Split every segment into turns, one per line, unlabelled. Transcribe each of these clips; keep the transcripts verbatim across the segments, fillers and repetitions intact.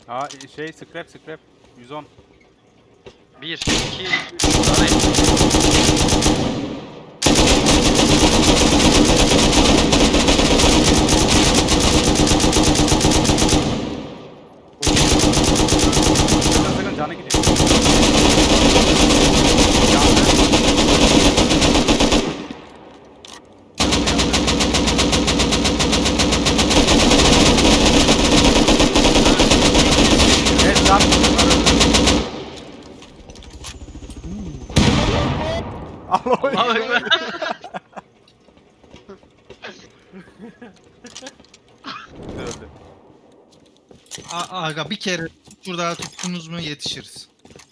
Aa şey scrap scrap. yüz on.
bir, iki, üç, tarayın.
Sakın sakın canı gidiyor. Yandı. Evet can. Al o.
Allahu Ekber.
Öldü.
A- Aga bir kere şurada tuttunuz mu yetişiriz.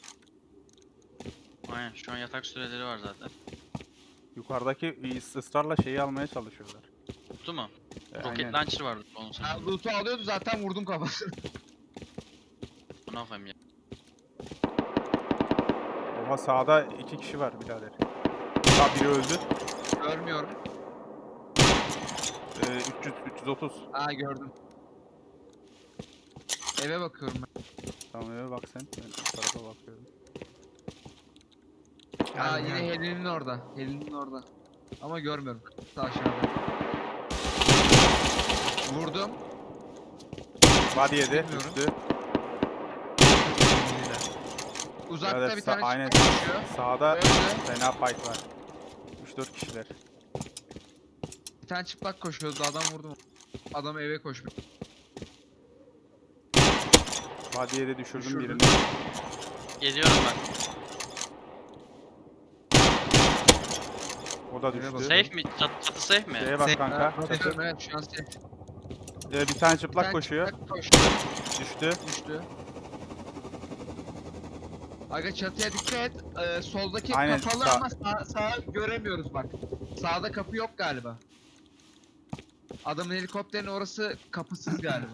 Aynen, şu an yatak süreleri var zaten.
Yukarıdaki ısrarla şeyi almaya çalışıyorlar.
Tuttu mu?
E,
Roket
aynen.
launcher vardı onun
Ya
sanırım.
loot'u alıyordu zaten vurdum kafasını.
Ne yapayım ya?
Oha sağda iki kişi var birader. Sağ biri öldü.
Görmüyorum.
Ee, üç yüz üç yüz otuz.
Aa gördüm. Eve bakıyorum ben.
Tamam eve bak sen. Ben bu tarafa bakıyorum.
Aa
Gel,
yine
gel.
Helin'in orada. Helin'in orada. Ama görmüyorum. Sağ aşağıda. Vurdum.
Body yedi.
Bilmiyorum.
Düştü.
Uzakta
Birader,
bir
sa-
tane
aynen.
çıkıyor. koşuyor.
Sağda
Öldü.
fena fight var. üç dört kişiler.
Bir tane çıplak koşuyordu. Adam vurdum. Adam eve koşmuş.
Body'ye de düşürdüm
Düşürdün.
birini.
Geliyorum ben.
O da
Eve
düştü.
bak.
Safe mi? Çat, çatı safe mi?
Şeye bak
Safe.
kanka.
Evet,
Çatı.
evet şu an safe.
Ee, bir tane çıplak
Bir tane
koşuyor.
çıplak koşuyor.
Düştü.
Düştü. Aga çatıya dikkat et. Ee, soldaki
Aynen,
kapalı
sağ-
ama sağ, sağa göremiyoruz bak. Sağda kapı yok galiba. Adamın helikopterin orası kapısız galiba.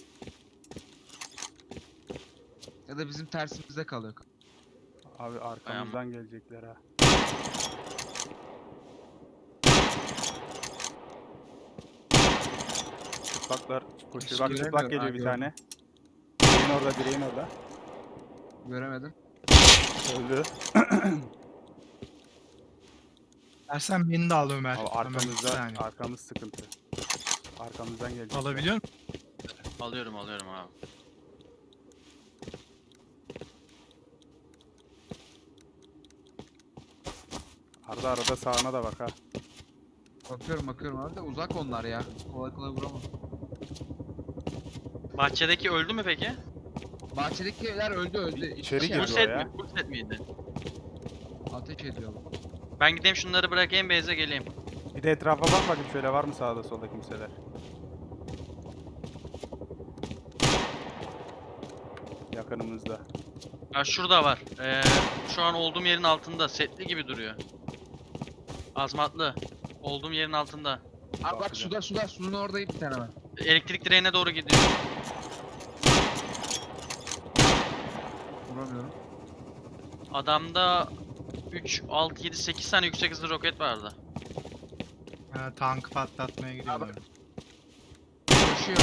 Ya da bizim tersimizde kalıyor.
Abi arkamızdan gelecekler ha. Çıplaklar koşuyor. Bak çıplak
göremiyorum.
geliyor
Ha,
bir
gördüm.
tane. Direğin orada, direğin orada.
Göremedim.
Öldü.
Dersen beni de al Ömer.
Abi
Ömer, bir
arkamızda,
saniye.
arkamız sıkıntı. Arkamızdan gelecek.
Alabiliyor musun?
Alıyorum alıyorum abi.
Arada arada sağına da bak ha.
Bakıyorum bakıyorum abi de uzak onlar ya. Kolay kolay vuramam.
Bahçedeki öldü mü peki?
Bahçedekiler öldü öldü. İki
İçeri
kişi
girdi
Full
o
set
ya.
mi? Full set miydi?
Ateş ediyorlar.
Ben gideyim şunları bırakayım base'e geleyim.
Bir de etrafa bak bakayım şöyle var mı sağda solda kimseler. Yakınımızda.
Ha şurada var. Ee, şu an olduğum yerin altında. Setli gibi duruyor. Azmatlı. Olduğum yerin altında.
Abi bak
Bakacağım.
suda suda suyun orada bir tane var.
Elektrik direğine doğru gidiyor.
Vuramıyorum.
Adamda üç, altı, yedi, sekiz tane yüksek hızlı roket vardı.
Ha, tankı patlatmaya gidiyorlar.
Koşuyor.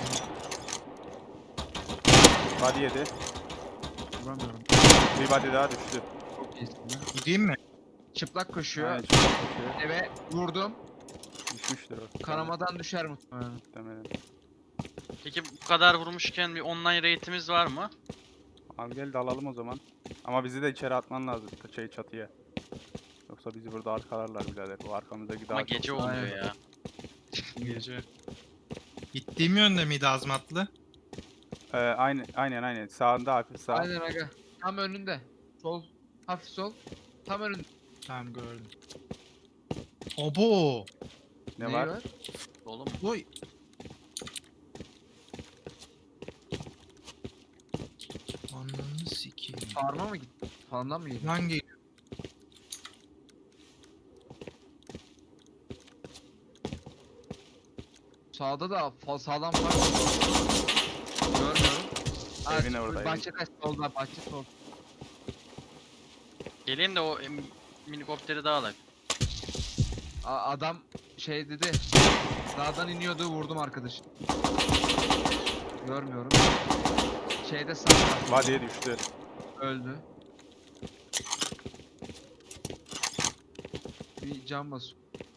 Body yedi.
Vuramıyorum.
Bir body daha düştü.
Çok iyisin lan.
Gideyim mi?
Çıplak koşuyor.
Aynen çıplak koşuyor.
Eve vurdum.
Düşmüştür o.
Kanamadan düşer muhtemelen.
Muhtemelen.
Peki bu kadar vurmuşken bir online rate'imiz var mı?
Al gel de alalım o zaman. Ama bizi de içeri atman lazım şey çatıya. Yoksa bizi burada arkalarlar birader. O arkamızdaki daha
Ama
çok-
gece oluyor
Aynen.
ya.
Gece. Gittiğim yönde miydi Azmatlı?
Ee, aynen aynen aynen. Sağında hafif sağ.
Aynen aga. Tam önünde. Sol. Hafif sol. Tam önünde.
Tamam gördüm. Obo!
Ne
Neyi
var?
Oğlum
Oy! Ananı sikeyim.
Farma mı gitti? Farmdan mı gitti?
Lan geliyor.
Sağda da fa sağdan farm var. Görmüyorum. Aa,
Evin orada, evin.
Bahçe kaç solda bahçe sol.
geleyim de o em, minikopteri de alayım.
A adam şey dedi. Dağdan iniyordu vurdum arkadaş. Görmüyorum. Şeyde sağda
Body'ye düştü.
öldü. Bir can bas.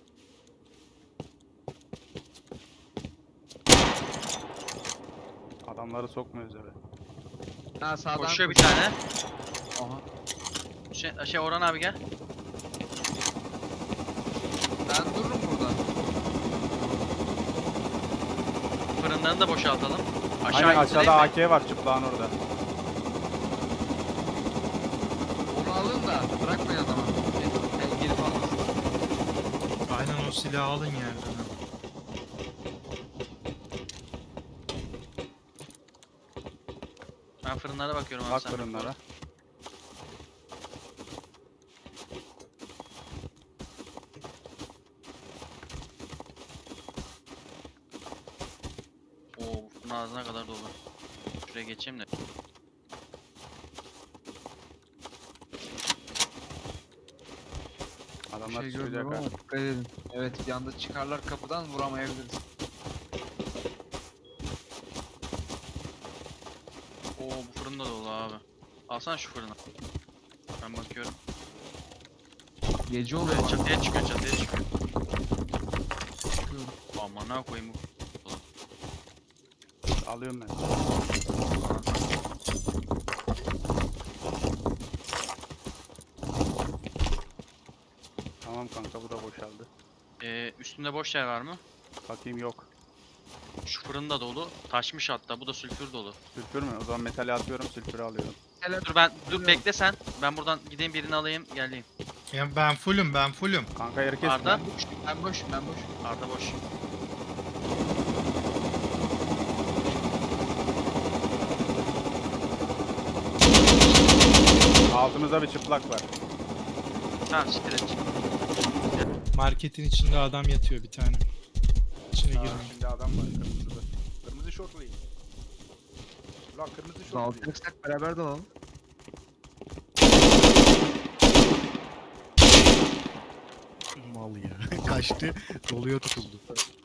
Adamları sokmuyoruz eve.
Ha sağdan
Koşuyor bir
koş-
tane.
Aha.
Şey, şey Orhan abi gel.
Ben dururum burada.
Fırınlarını da boşaltalım. Aşağı
Aynen
indireyim
aşağıda
mi?
A K var çıplağın orada.
Onu alın da bırakmayın adama. Gel, gel gelip almasın.
Aynen o silahı alın yerden. ha.
Ben fırınlara bakıyorum abi.
Bak
sen
fırınlara.
Oo bu fırın ağzına kadar dolu. Şuraya geçeyim de.
Bir
Adamlar
şey
çıkacak
görmüyorum
ha.
ama dikkat edin. Evet bir anda çıkarlar kapıdan vuramayabiliriz.
Oo bu fırın da dolu abi. Alsana şu fırını. Ben bakıyorum.
Gece oluyor.
Buraya
bak.
çatıya çıkıyor çatıya çıkıyor.
Çıkıyorum.
Aman ne koyayım bu.
Alıyorum ben. Tamam kanka bu da boşaldı.
Ee, üstünde boş yer var mı?
Bakayım yok.
Şu fırın da dolu. Taşmış hatta. Bu da sülfür dolu.
Sülfür mü? O zaman metali atıyorum sülfürü alıyorum.
Hele
Dur ben dur bekle sen. Ben buradan gideyim birini alayım geleyim.
Ya ben fullüm ben fullüm.
Kanka herkes
Arda.
mi?
ben boşum ben boşum.
Arda boş.
Altımızda bir çıplak var.
Tamam siktir et.
Marketin içinde adam yatıyor bir tane. İçine
Aa,
girmeyin.
şimdi adam var kırmızıda. Kırmızı şortlu. Ulan kırmızı şortlu.
Dağıtacaksak beraber dalalım.
Mal ya. Kaçtı. Doluya tutuldu.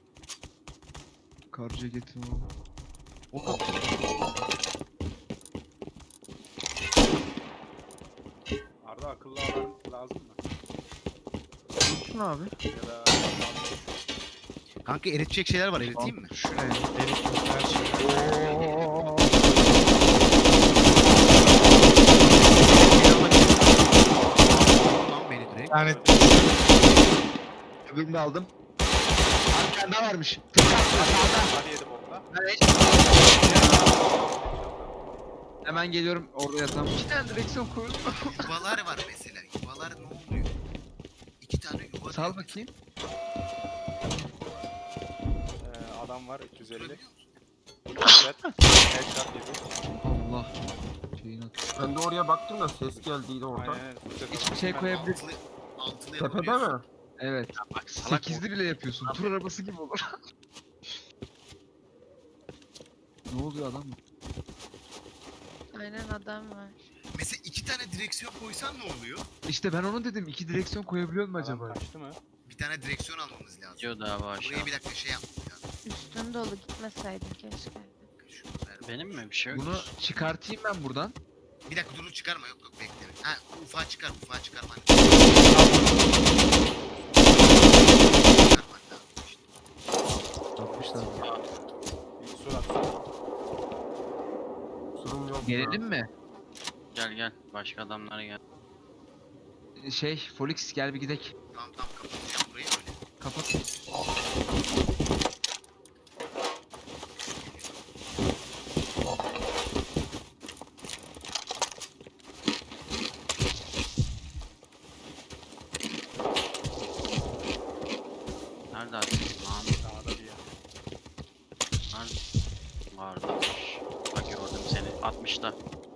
Kar ceketim var.
O kadar.
Arda akıllı alarm lazım mı?
Şunu abi.
Ya da
Kanka eritecek şeyler var. Eriteyim mi?
Şuraya.
Herif yok, her şey.
Oo.
Tamam beni direkt.
Yani
Öbürünü de aldım. Arkanda varmış. Tık attı sağda.
hadi yedi bokla.
Evet. Hemen geliyorum orada yatan. İki tane direksiyon koydum.
Yuvalar var mesela. Yuvalar ne oluyor? İki tane yuva.
Sal bakayım.
Ee, adam var iki yüz elli. Headshot. Headshot yedi.
Allah. Şeyin atıyor.
Ben de oraya baktım da ses geldiydi orada.
Aynen. Aynen.
Hiçbir şey koyabilir.
Altılı, altılı
Tepede
yapabiliyorsun.
mi?
Evet.
Bak salak
Sekizli bile yapıyorsun. Tur arabası gibi olur. Ne oluyor adam?
Aynen adam var.
Mesela iki tane direksiyon koysan ne oluyor?
İşte ben onu dedim. İki direksiyon koyabiliyor mu
Adam
acaba?
kaçtı mı?
Bir tane direksiyon almamız lazım.
diyor da abi aşağı.
Buraya bir dakika şey yaptık ya.
Üstün dolu gitmeseydin keşke.
Şunu ver.
Benim mi bir şey yok.
Bunu çıkartayım ben buradan.
Bir dakika dur çıkarma yok yok bekle. Ha ufağa çıkar ufağa çıkarma. Çıkarmak lazım işte.
Yapmışlar.
Bir surat.
Kusurum yok.
Gelelim mi?
Gel gel. Başka adamlara gel.
Şey, Folix gel bir gidek.
Tamam tamam kapatacağım burayı öyle.
Kapat.
Nerede abi? Lan
Dağda bir yer.
nerede? Vardı. Bak gördüm seni. altmışta.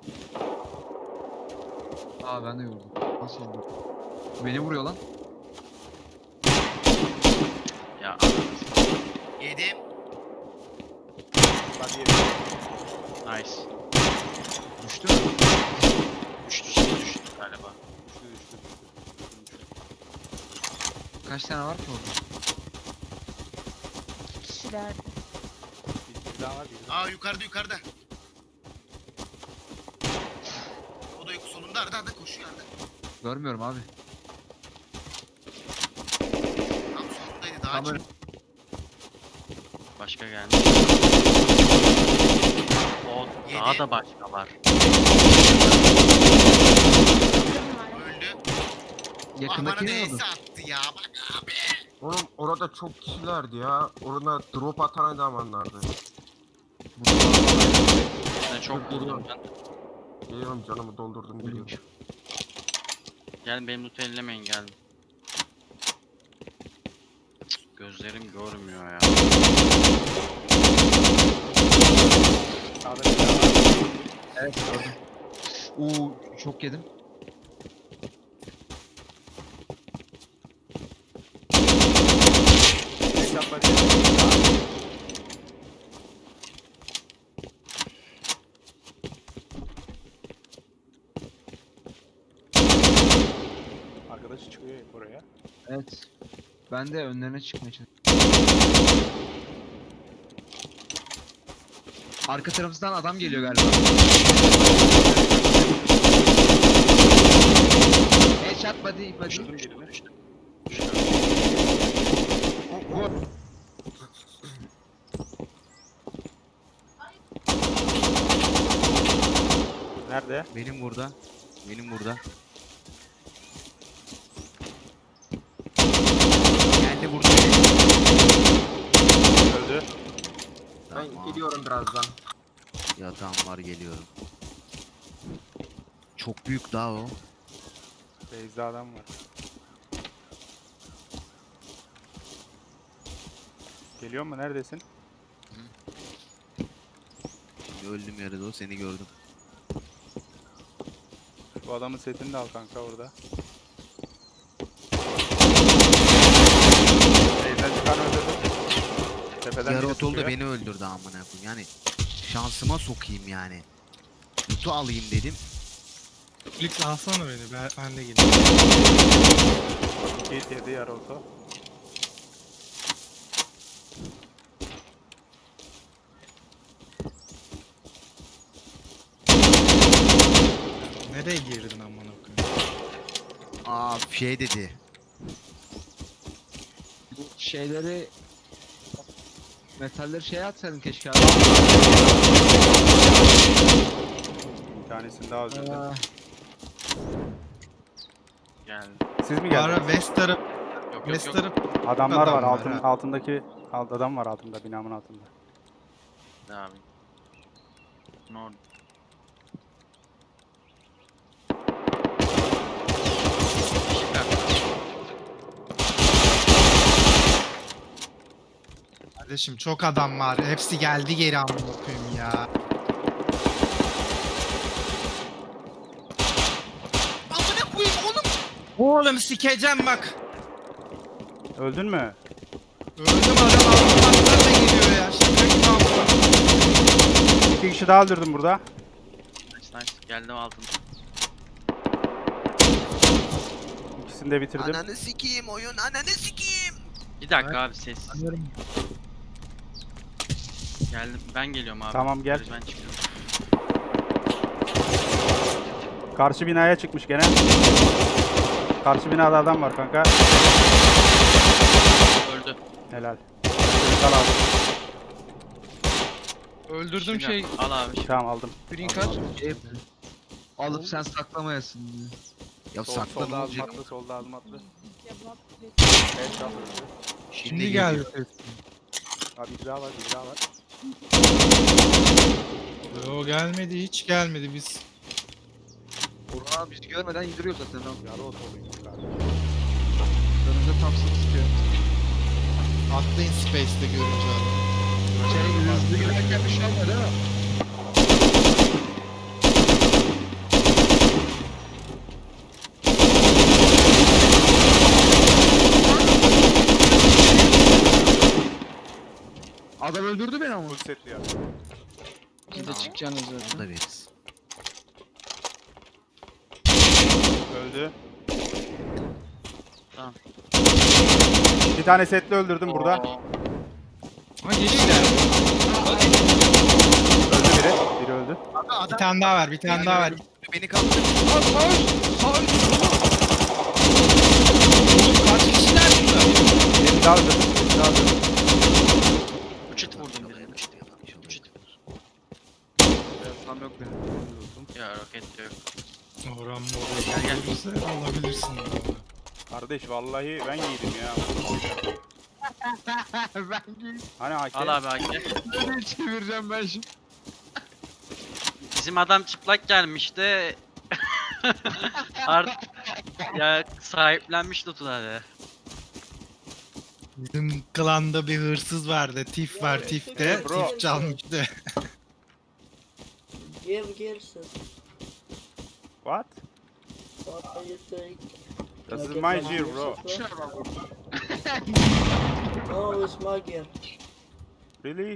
Aa ben de gördüm. Nasıl oldu? Beni vuruyor lan.
Ya anasını.
Yedim.
Hadi yedi.
Nice.
Düştü mü?
Düştü şimdi düştü galiba.
Düştü düştü düştü.
Kaç tane var ki orada?
İki kişilerdi.
Bir, bir daha var bir daha.
Aa yukarıda yukarıda. Arda Arda koşuyor Arda.
Görmüyorum abi.
Tam solundaydı daha
Tam
çok.
ön-
Başka geldi. O daha
Yedi.
da başka var.
Kırım var.
Öldü.
Yakındaki
Ah, bana
ne oldu?
D S attı ya bak abi.
Oğlum orada çok kişilerdi ya. Orada drop atan adamlardı.
Ben çok vurdum ben.
Geliyorum canımı doldurdum geliyorum.
Gelin benim loot'u ellemeyin gelin. Cık, gözlerim görmüyor ya.
Sağda bir tane var.
Evet gördüm. Uuu çok yedim.
Headshot var ya. Arkadaş çıkıyor oraya.
Evet. Ben de önlerine çıkmaya çalışıyorum. Arka tarafımızdan adam geliyor galiba. Headshot body body.
Düşürdüm birini.
Vur.
Nerede?
Benim burada. Benim burada. Geldi burada.
Öldü.
Ben
Tamam.
geliyorum birazdan.
Yatağım var geliyorum. Çok büyük daha o.
Beyza adam var. Geliyor mu? Neredesin?
Şimdi öldüm yarıda o seni gördüm.
Bu adamın setini de al kanka orada. Beyza çıkan öldürdüm. Tepeden
Yarı
biri
otol da
sıkıyor.
beni öldürdü amına koyayım. Yani şansıma sokayım yani. Lutu alayım dedim.
Flix alsana beni. Ben, ben de geleyim.
İki hit yedi yarı oto.
Nereye girdin amına koyayım?
Aa şey dedi.
Bu şeyleri metalleri şeye atsaydın keşke abi.
Bir tanesini daha öldürdüm.
Aa,
Geldi.
Siz mi
Bu ara
geldiniz?
West taraf,
Yok yok
West
yok.
taraf
Adamlar
adam
var,
var,
altın,
ha.
altındaki alt adam var altında, binamın altında.
Ne abi? Ne oldu?
kardeşim çok adam var. Hepsi geldi geri amına koyayım ya. Amına koyayım oğlum. Oğlum sikeceğim bak.
Öldün mü?
Öldüm adam altından da geliyor ya. Şaka gibi amına.
İki kişi daha öldürdüm burada.
Nice nice. Geldim altın.
İkisini de bitirdim.
Ananı sikeyim oyun ananı sikeyim.
Bir dakika abi sessiz.
Anlıyorum.
Geldim. Ben geliyorum abi.
Tamam, gel.
Ben çıkıyorum.
Karşı binaya çıkmış gene. Karşı binada adam var kanka.
Öldü.
Helal. Al abi.
Öldürdüm
Şimdi
şey.
Al abi. şimdi.
Tamam aldım.
Green card.
şey alıp sen saklamayasın diye.
Ya
Sol,
saklan
solda adım
olacak.
atlı, solda adım atlı. Headshot öldü.
Şimdi geldi ses.
Abi bir daha var, bir daha var.
Yo gelmedi hiç gelmedi biz.
Burhan abi bizi görmeden indiriyor zaten abi.
Yarı otoluymuş galiba.
Önümüzde Thompson sıkıyor.
Atlayın Space'te görünce abi.
Şey hızlı giderken bir şey olmadı değil mi? Adam öldürdü beni ama.
Full setli ya.
Siz de çıkacaksınız
Onu
zaten.
da veririz.
Öldü.
Tamam.
Bir tane setli öldürdüm burada.
Oo.
Ha geliyor.
Öldü biri. Biri öldü.
Bir tane daha var, bir tane daha var.
Beni kaldırın.
Sağ sağ sağ.
Kaç kişiler burada?
Biri daha öldü. Biri daha öldü.
Üç hit vurdum birine. Üç hit. Üç hit.
Tam yok benim. Olsun.
Ya roket yok.
Orhan
Gel gel.
Sen alabilirsin.
Kardeş vallahi ben yedim ya.
Ben giyip
Hani A K?
Al abi Haki.
böyle çevireceğim ben şimdi.
Bizim adam çıplak gelmişti. Art ya sahiplenmiş lootları.
Bizim klanda bir hırsız vardı. Tif var Tif'te.
Bro.
Tif çalmıştı.
Give Gibson.
What?
What are you doing?
This
Can I
is
get
my
my
gear,
music,
bro.
No, it's my gear.
Really?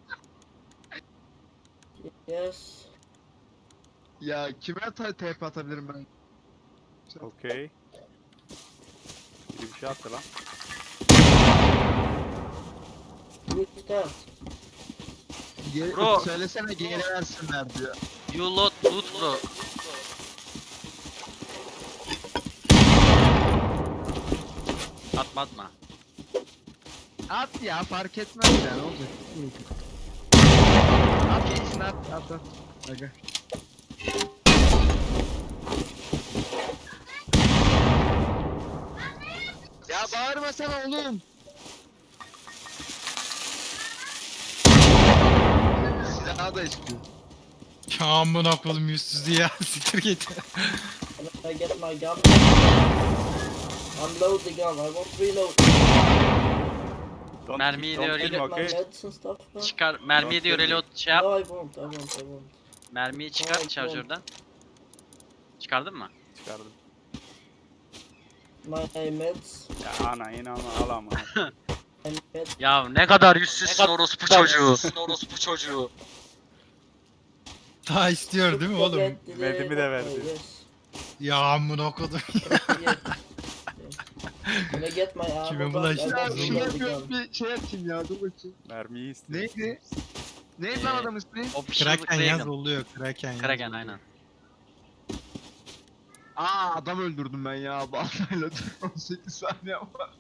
Yes.
Ya kime ta T P atabilirim ben?
Okay. Biri bir şey attı lan.
Who's that?
Geri,
Bro.
Söylesene geri versinler diyor.
You loot loot bro. Atma atma.
At ya fark etmez ya ne olacak? At gitsin at at at. Aga. Ya bağırmasana oğlum. Silahı da istiyor.
Ya amına koydum yüzsüzü ya. Siktir git.
Can I get my gun? Unload the gun. I want reload.
Don't,
Mermiyi
don't
de
Can I
öyle-
kill
get
me,
my
okay?
meds and stuff now?
Çıkar mermiyi diyor reload şey yap.
No, I won't. I won't. I won't.
Mermiyi çıkar
Ay,
şarjörden. Çıkardın mı?
Çıkardım.
My meds.
Ya ana yine ama al ama.
My meds.
Ya ne kadar yüzsüzsün orospu çocuğu. orospu çocuğu.
Daha istiyor değil mi oğlum?
Forget the-
Medimi de verdi.
Oh, yes.
Ya amına koydum.
Yeah. Can I get my ammo
Kime
back?
bulaştı?
I
Ya
want
Zorla
şunu
reload the
yapıyorum
gun.
bir şey atayım ya dur bakayım.
Mermiyi istiyor.
Neydi? Neydi lan
Ee,
adam ismi?
Official
Kraken yaz
Kraken.
oluyor. Kraken yaz.
Kraken aynen.
Aa adam öldürdüm ben ya baltayla on sekiz saniye var.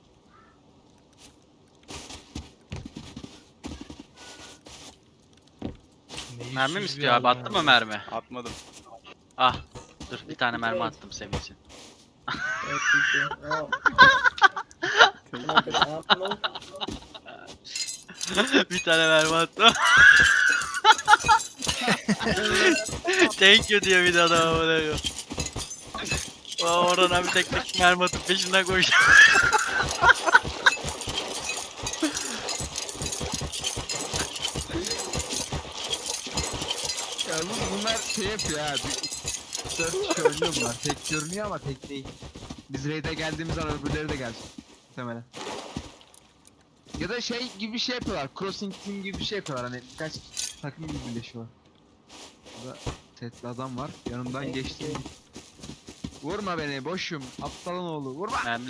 Ne
Mermi mi
yüzsüz
istiyor
bir
abi?
adam
Attın
ya.
mı mermi?
Atmadım.
Ah. Dur bir tane mermi attım senin için.
Thank you. Oh. Can I get ammo?
bir tane mermi attım. Thank you diyor bir de adam ama ne diyor. Aa, oradan abi tek tek mermi atıp peşinden koşuyor.
Ya bu- bunlar şey yapıyor ha. Dört kişi oynuyor bunlar. Tek görünüyor ama tek değil. Biz raid'e geldiğimiz zaman öbürleri de gelecek. Muhtemelen. Ya da şey gibi bir şey yapıyorlar. Crossing team gibi bir şey yapıyorlar. Hani birkaç takım gibi birleşiyorlar. Burada setli adam var. Yanımdan
Thank
geçti.
you.
Vurma beni boşum. Aptalın oğlu. Vurma.
Mermi